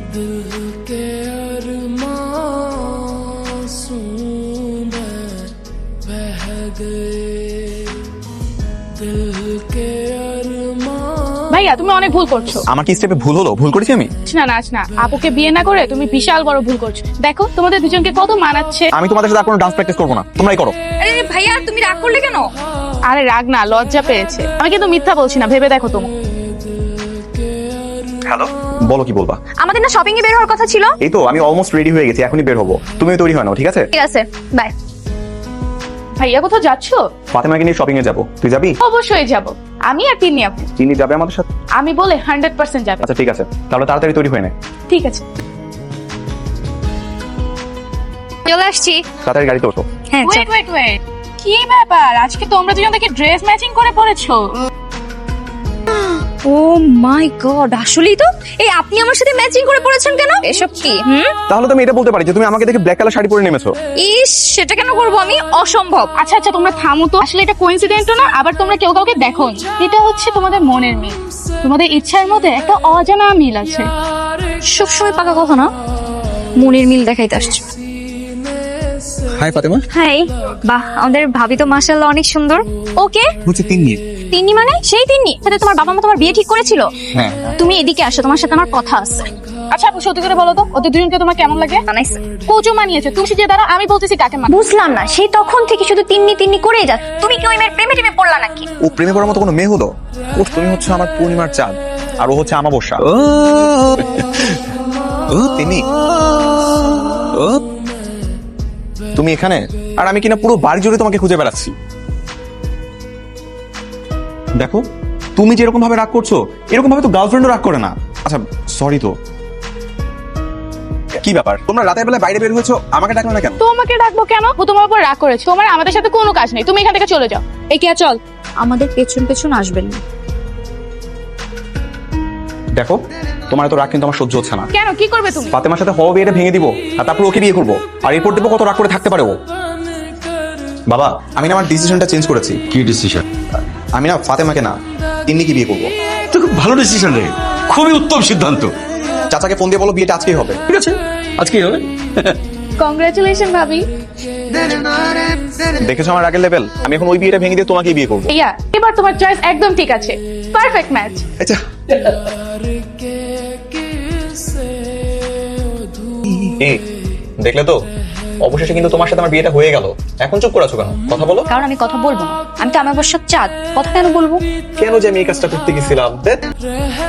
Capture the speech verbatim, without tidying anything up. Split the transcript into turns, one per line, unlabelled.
ভাইয়া তুমি অনেক ভুল করছো।
আমার কি স্টেপে ভুল হলো? ভুল করেছি আমি?
না নাচ না, আপুকে বিয়ে না করে তুমি বিশাল বড় ভুল করছো। দেখো তোমাদের দুজনকে কত মানাচ্ছে।
আমি তোমাদের সাথে আর কোনো ডান্স প্র্যাকটিস করবো না, তোমরাই করো।
আরে ভাইয়া তুমি রাগ করলে কেন?
আরে রাগ না, লজ্জা পেয়েছে। আমি কিন্তু মিথ্যা বলছি না, ভেবে দেখো তুমি।
হ্যালো, বলো কি বলবা?
আমাদের না শপিং এ বের হওয়ার কথা ছিল।
এই তো আমি অলমোস্ট রেডি হয়ে গেছি, এখনই বের হবো। তুমি তৈরি হয় নাও, ঠিক আছে?
ঠিক আছে, বাই।
ভাইয়া কোথাও যাচ্ছো?
ফাতেমাকে নিয়ে শপিং এ যাবো, তুই যাবি?
অবশ্যই যাব, আমি আর তিন্নি আপু।
চিনি যাবে আমাদের সাথে?
আমি বলে হান্ড্রেড পার্সেন্ট যাবে।
আচ্ছা ঠিক আছে, তাহলে তাড়াতাড়ি তৈরি হয়ে নে।
ঠিক আছে,
চলে আসছি।
তাড়াতাড়ি গাড়িতে ওঠো।
হ্যাঁ
ওয়েট ওয়েট ওয়েট, কি ব্যাপার আজকে তোমরা দুজন দেখি ড্রেস ম্যাচিং করে পরেছো?
ও মাই গড, আসলেই তো। এই আপনি আমার সাথে ম্যাচিং করে পড়েছেন কেন? এসব কি? হুম,
তাহলে তুমি এটা বলতে পারি যে তুমি আমাকে দেখে ব্ল্যাক কালার শাড়ি পরে নেমেছো।
ইস, সেটা কেন করব আমি? অসম্ভব।
আচ্ছা আচ্ছা তোমরা থামো তো, আসলে এটা কোইন্সিডেন্টও না, আবার তোমরা কেউ কাউকে দেখো। এটা হচ্ছে তোমাদের মনের মিল, তোমাদের ইচ্ছার মধ্যে একটা অজানা মিল আছে।
সবসময় পাকা কথা না, মনের মিল দেখাইতে আসছে।
হাই ফাতেমা।
হাই, বাহ, আমাদের ভাবি তো মাশাআল্লাহ অনেক সুন্দর। ওকে,
হচ্ছে তিন্নি।
তিন্নি মানে সেই তিন্নি সাথে তোমার বাবা মা তোমার বিয়ে ঠিক করেছিল?
হ্যাঁ।
তুমি এদিকে আসো, তোমার সাথে আমার কথা আছে।
আচ্ছা আপু সত্যি করে বলো তো, ওদের দুজনকে তোমার কেমন লাগে?
বানাইছে।
কোচও মানিয়েছে, তুমি যে দ্বারা আমি বলতেছি কাকে মান।
বুঝলাম না, সেই তখন থেকে শুধু তিন্নি তিন্নি করেই যা। তুমি কি ওই মেয়ের প্রেমে টেমে পড়লা নাকি?
ও প্রেমে পড়ার মতো কোনো মেয়ে হলো? ও তুমি হচ্ছে আমার পূর্ণিমার চাঁদ, আর ও হচ্ছে আমাবস্যা। ও তিন্নি, ও তুমি এখানে, আর আমি কিনা পুরো বাড়ি জুড়ে তোমাকে খুঁজে বেড়াচ্ছি। দেখো তুমি যেরকম ভাবে রাগ করছো, এরকম ভাবে তো গার্লফ্রেন্ডও রাগ করে না। আচ্ছা সরি তো। কি ব্যাপার, তোমরা রাতের বেলা বাইরে বের হয়েছো, আমাকে ডাকলে না কেন?
তোমাকে ডাকবো কেন? ও তোমার উপর রাগ করেছে, তোমার আমাদের সাথে কোনো কাজ নেই, তুমি এখান থেকে চলে যাও।
এই কে, চল। আমাদের পেছন পেছন আসবেন না।
দেখো তোমার তো রাগ কিন্তু আমার সহ্য হচ্ছে না।
কেন, কি করবে তুমি?
ফাতেমার সাথে হওয়া বিয়েটা ভেঙে দিব, আর তারপর ওকে বিয়ে করবো, আর এরপর দেবো কত রাগ করে থাকতে পারে ও। বাবা আমি না আমার ডিসিশনটা চেঞ্জ করেছি।
কি ডিসিশন?
আমি না ফাতেমাকে না তিন্নিকে বিয়ে করবো।
তো খুব ভালো ডিসিশন রে, খুবই উত্তম সিদ্ধান্ত।
চাচাকে ফোন দিয়ে বলো বিয়েটা আজকেই হবে।
ঠিক আছে, আজকেই হবে।
কংগ্রাচুলেশন ভাবি।
দেখেছো আমার রাগের লেভেল? আমি এখন ওই বিয়েটা ভেঙে দিয়ে তোমাকেই বিয়ে করবো।
ইয়া, এবার তোমার চয়েস একদম ঠিক আছে, পারফেক্ট ম্যাচ।
আচ্ছা এই দেখলে তো, অবশেষে কিন্তু তোমার সাথে আমার বিয়েটা হয়ে গেল। এখন চুপ করে আছো কেন? কথা বলো।
কারণ আমি কথা বলবো না, আমি তো আমার বর্ষার চাঁদ, কথা কেন বলবো?
কেন যে আমি এই কাজটা করতে গেছিলাম?